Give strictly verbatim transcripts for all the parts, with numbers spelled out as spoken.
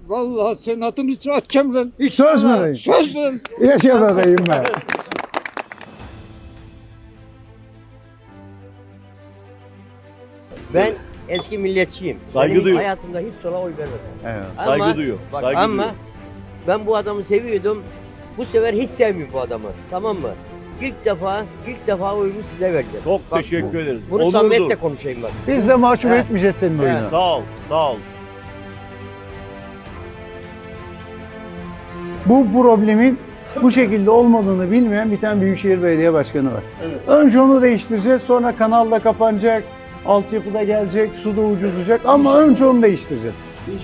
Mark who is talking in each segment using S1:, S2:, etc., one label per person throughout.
S1: Vallahi senin adını hiç atacağım lan.
S2: Söz mü dayım?
S1: Söz lan.
S2: Yaşa be dayım ben.
S3: Ben eski milliyetçiyim.
S4: Saygı
S3: Benim
S4: duyuyorum.
S3: hayatımda hiç sola oy vermedim.
S2: Evet.
S4: Saygı
S3: Ama-
S4: duyuyorum.
S3: Bak,
S4: Saygı
S3: ama
S4: duyuyorum.
S3: ben bu adamı seviyordum. Bu sefer hiç sevmiyorum bu adamı. Tamam mı? İlk defa, ilk defa oyumu size vereceğim.
S4: Çok
S3: Bak,
S4: teşekkür ederiz.
S3: Bunu
S4: Onurdur.
S3: samimiyetle konuşayım bak.
S2: Biz de mahcup
S3: He.
S2: etmeyeceğiz senin oyunu.
S4: Sağ ol, sağ ol.
S2: Bu problemin bu şekilde olmadığını bilmeyen bir tane Büyükşehir Belediye Başkanı var. Önce onu değiştireceğiz, sonra kanal da kapanacak, altyapı da gelecek, su da ucuzlayacak ama önce onu değiştireceğiz.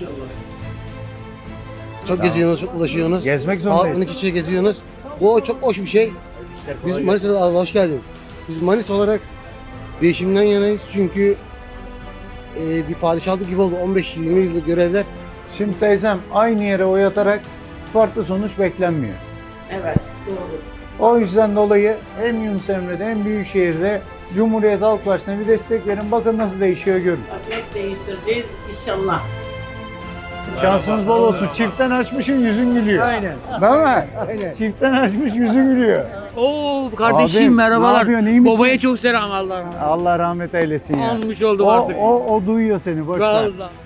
S5: Çok geziyorsunuz, çok ulaşıyorsunuz.
S2: Gezmek
S5: Halkın
S2: zorundayız.
S5: iç içe geziyorsunuz. Bu çok hoş bir şey. Biz Manisa'da Allah hoş geldin. Biz Manisa olarak değişimden yanayız çünkü e, bir padişahlık gibi oldu. on beş yirmi yıllık görevler.
S2: Şimdi teyzem aynı yere oy atarak farklı sonuç beklenmiyor.
S3: Evet, doğru.
S2: O yüzden dolayı hem Yunus Emre'de hem Büyükşehir'de Cumhuriyet Halk Partisi'ne bir destek verin. Bakın nasıl değişiyor görün.
S6: Net değiştireceğiz inşallah.
S2: Şansınız bol olsun. Çiftten açmışın yüzün gülüyor. Aynen. Değil mi? Aynen. Çiftten açmış yüzü gülüyor.
S6: Oo kardeşim
S2: Abi, ne
S6: merhabalar.
S2: yapıyorsun, iyi misin?
S6: Babaya çok selam Allah rahmet.
S2: Allah rahmet eylesin ya.
S6: Almış oldum
S2: O,
S6: artık.
S2: o, o duyuyor seni boş ver.
S6: Vallahi.